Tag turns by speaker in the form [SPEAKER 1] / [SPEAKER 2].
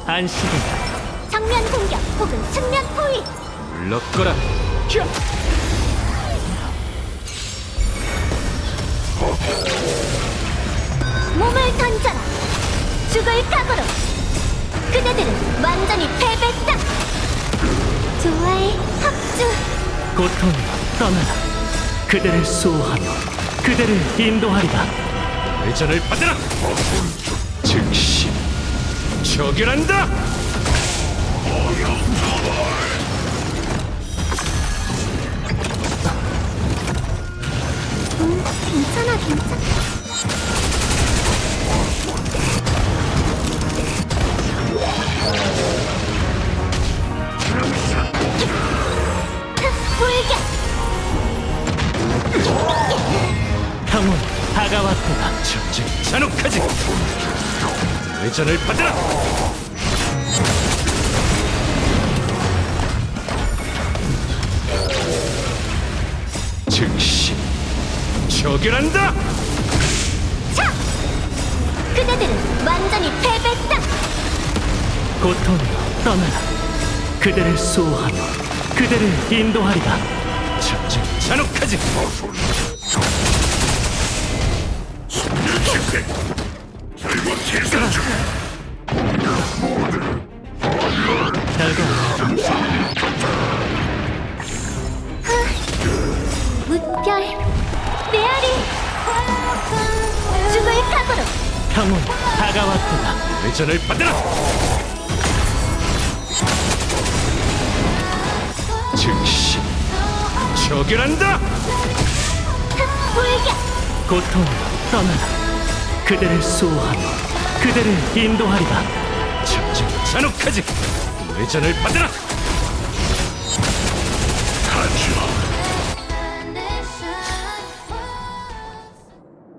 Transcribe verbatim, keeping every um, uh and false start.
[SPEAKER 1] 안식이다.
[SPEAKER 2] 정면 공격 혹은 측면 포위.
[SPEAKER 1] 물러거라.
[SPEAKER 2] 몸을 던져라. 죽을 각오로. 그대들은 완전히 패배다. 좋아해 합주.
[SPEAKER 1] 고통이여 떠나라. 그대를 수호하며 그대를 인도하리라. 회전을 받으라. 즉시 처결한다.
[SPEAKER 2] 음, 괜찮아 괜찮아. 불격.
[SPEAKER 1] 형은 다가왔도다. 전쟁 잔혹하지. 회전을 받으라. 즉시 처결한다.
[SPEAKER 2] 차! 그대들은 완전히 패배다.
[SPEAKER 1] 고통이여 떠나라. 그대를 수호하며 그대를 인도하리라. 전쟁 잔혹하지. 결과
[SPEAKER 2] 무별 메아리. 죽을 각오로.
[SPEAKER 1] 형은 다가왔도다. 회전을 받으라. 즉시 처결한다.
[SPEAKER 2] 불격.
[SPEAKER 1] 고통이여 떠나라. 그대를 수호하며 그대를 인도하리라. 전쟁 잔혹하지. 회전을 받으라.